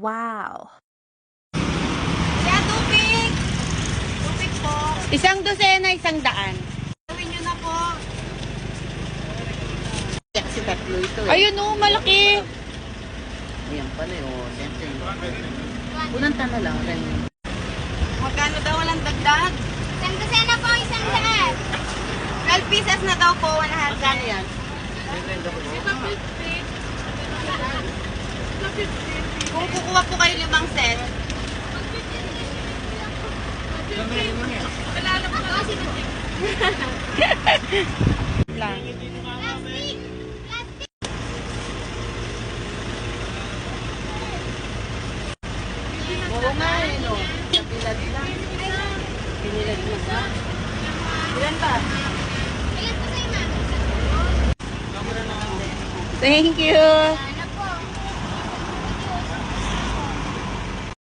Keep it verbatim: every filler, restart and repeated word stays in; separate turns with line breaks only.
Wow.
Kaya tubig! Tubig po.
Isang dosena, isang daan.
Gawin nyo na po.
Kasi tatlo ito eh.
Ayun oh, malaki.
Ayan pala eh. Oh, siyempre. Unang tana lang. Ganyan.
Magkano daw walang dagdag?
Isang dosena po, isang daan.
twelve pieces na daw po, one hundred.
Magkano yan?
Kung kukuha po kayo limang set,
Lang.
Plastic!
Oo nga eh, no. Pinilad lang. Pinilad lang. Ilan ba?
Ilan po sa'yo, ma'am?
Thank you.